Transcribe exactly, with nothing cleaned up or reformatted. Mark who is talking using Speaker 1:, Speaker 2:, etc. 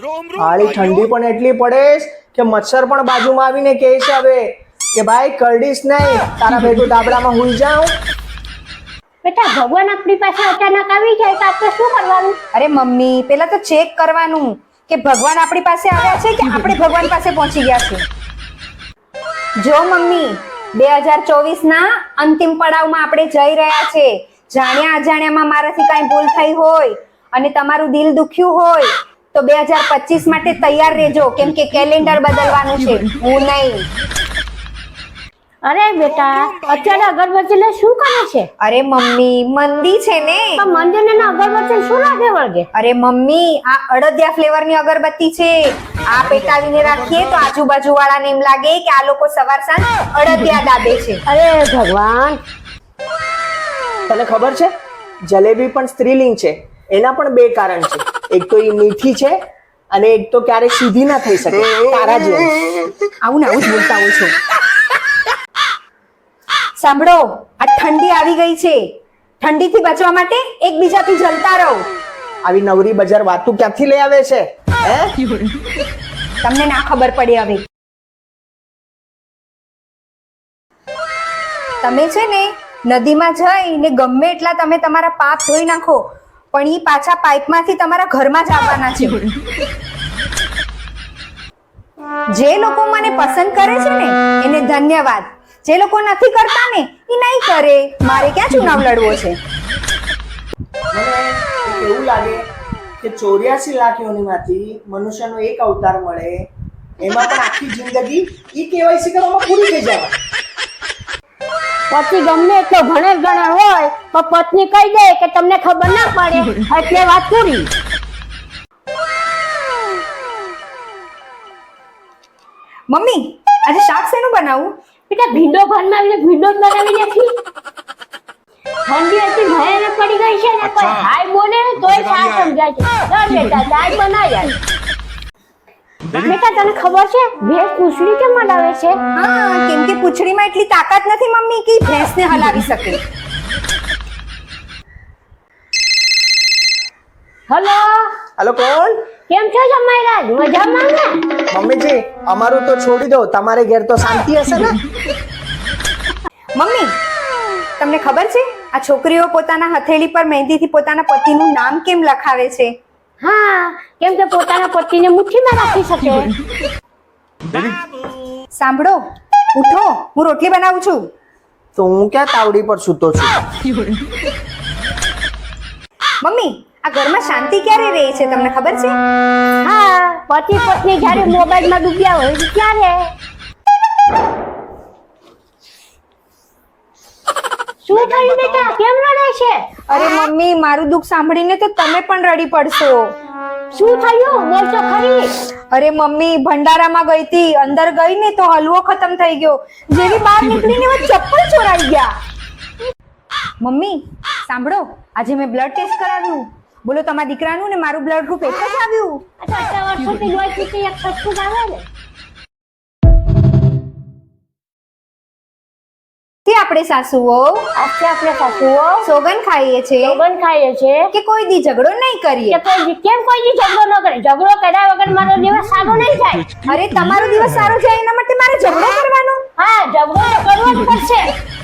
Speaker 1: હાળી ઠંડી પણ એટલી પડે કે મચ્છર પણ બાજુમાં આવીને કહે છે હવે કે ભાઈ કરડીશ નહીં, તારા ભેગું ધાબળામાં હુઈ જાઉં.
Speaker 2: બેટા ભગવાન આપણી પાસે અચાનક આવી જાય તો આપણે શું કરવાનું?
Speaker 3: અરે મમ્મી, પેલા તો ચેક કરવાનું કે ભગવાન આપણી પાસે આવ્યા છે કે આપણે ભગવાન પાસે પહોંચી ગયા છે. જો મમ્મી, બે હજાર ચોવીસ ના અંતિમ પડાવમાં આપણે જઈ રહ્યા છે. જાણ્યા અજાણ્યામાં મારાથી કાંઈ ભૂલ થઈ હોય અને તમારું દિલ દુખ્યું હોય તો બે હજાર પચીસ માટે તૈયાર રહેજો, કેમ કે કેલેન્ડર બદલવાનું છે, હું નહીં.
Speaker 2: અરે બેટા અત્યારે અગરબત્તી લે શું કરે છે?
Speaker 3: અરે મમ્મી, મંદી છે ને.
Speaker 2: પણ મંદિરને ના અગરબત્તી શું લાગે વળગે?
Speaker 3: અરે મમ્મી, આ અડદિયા ફ્લેવર ની અગરબત્તી છે. આ પેટાવીને રાખીએ તો આજુબાજુ વાળાને એમ લાગે કે આ લોકો સવાર સાંજ અડદિયા દાબે છે.
Speaker 2: અરે ભગવાન,
Speaker 1: તને ખબર છે જલેબી પણ સ્ત્રીલિંગ છે. એના પણ બે કારણ છે. એક તો એ મીઠી છે અને એક તો ક્યારેક સીધી ના થઈ શકે તારા જેમ.
Speaker 3: આવું ને આવું જ બોલતા હોય છો. સાંભળો, આ ઠંડી આવી ગઈ છે. ઠંડીથી બચવા માટે એકબીજાથી જલતા રહો.
Speaker 1: આવી નવરી બજાર વાતું ક્યાંથી લઈ આવે છે હે?
Speaker 3: તમને ના ખબર પડે હવે. તમે છે ને નદીમાં જઈને ગમે એટલા તમે તમારા પાપ ધોઈ નાખો, પણ ઈ પાછા પાઇપમાંથી તમારા ઘરમાં જ આવવાના છે. જે લોકો મને પસંદ કરે છે ને એને ધન્યવાદ. જે લોકો નથી કરતા ને એ નહીં કરે. મારે ક્યાં ચુનાવ લડવો છે?
Speaker 1: મને એક એવું લાગે કે ચોર્યાસી લાખ યોનિમાંથી મનુષ્યનો એક અવતાર મળે, એમાં પણ આખી જિંદગી ઈ કેવાયસી કરવામાં પૂરી થઈ જાય.
Speaker 2: પતિ ગમે એટલો ભણેલ ગણેલ હોય તો પત્ની કહી દે કે તમને ખબર ના પડે એટલે વાત પૂરી.
Speaker 3: મમ્મી, આજે શાક શેનું બનાવું?
Speaker 2: બેટા ભીંડો ઘરમાં આવીને ભીંડો જ બનાવી નાખી. ઠંડી હતી ભયાનક પડી ગઈ છે ને, કોઈ હાય બોલે ને તોય શા સમજાય છે. ચાલ બેટા ચાય બનાવ્યા. બેટા તને ખબર છે ભેંસ પૂંછડી કેમ હલાવે છે?
Speaker 3: હા, કેમ કે પૂંછડીમાં એટલી તાકાત નથી મમ્મી કે ભેંસને હલાવી શકે.
Speaker 2: હલો,
Speaker 1: હાલો, કોણ?
Speaker 2: કેમ છો જમાઈરાજ? મજામાં ને?
Speaker 1: મમ્મીજી, અમારું તો છોડી દો, તમારે ઘેર તો શાંતિ હશે ને?
Speaker 3: મમ્મી, તમને ખબર છે આ છોકરીઓ પોતાના હથેળી પર મહેંદીથી પોતાના પતિનું નામ કેમ લખાવે છે?
Speaker 2: હા, કેમ કે પોતાના પતિને મુઠ્ઠીમાં રાખી શકે.
Speaker 3: સાંભળો, ઉઠો, હું રોટલી બનાવું છું.
Speaker 1: તો હું ક્યાં તાવડી પર સૂતો છું?
Speaker 3: મમ્મી, આ ઘરમાં શાંતિ ક્યારે રહે છે તમને ખબર છે?
Speaker 2: હા, પતિ પત્ની જ્યારે મોબાઈલમાં ડૂબ્યા હોય ત્યારે. શું થયું બેટા, કેમ રડે છે?
Speaker 3: અરે મમ્મી, મારું દુઃખ સાંભળીને તો તમે પણ રડી પડશો.
Speaker 2: શું થયું બોલ તો ખરી.
Speaker 3: અરે મમ્મી, ભંડારામાં ગઈ હતી, અંદર ગઈ ને તો હલવો ખતમ થઈ ગયો. જેવી બહાર નીકળીને એમાં ચપ્પલ ચોરાઈ ગયા. મમ્મી સાંભળો, આજે મેં બ્લડ ટેસ્ટ કરાવ્યું. બોલો, તમારા દીકરાનું ને મારું બ્લડ ગ્રુપ એક જ આવ્યું.
Speaker 2: અચ્છા, આટલા વર્ષોથી લોહી પીતી એક સસ્તું આવે ને.
Speaker 3: તે આપણે સાસુઓ
Speaker 2: આજે આપણે સાસુઓ
Speaker 3: સોગન ખાઈએ છે
Speaker 2: સોગન ખાઈએ છે
Speaker 3: કે કોઈ દી ઝઘડો નહીં કરીએ.
Speaker 2: કે કોઈ દી કેમ કોઈ દી ઝઘડો ન કરે? ઝઘડો કર્યા વગર મારો દિવસ સારો નહીં જાય.
Speaker 3: અરે તમારો દિવસ સારો જાય એના માટે મારે ઝઘડો કરવાનો?
Speaker 2: હા, ઝઘડો તો કરવો જ પડશે.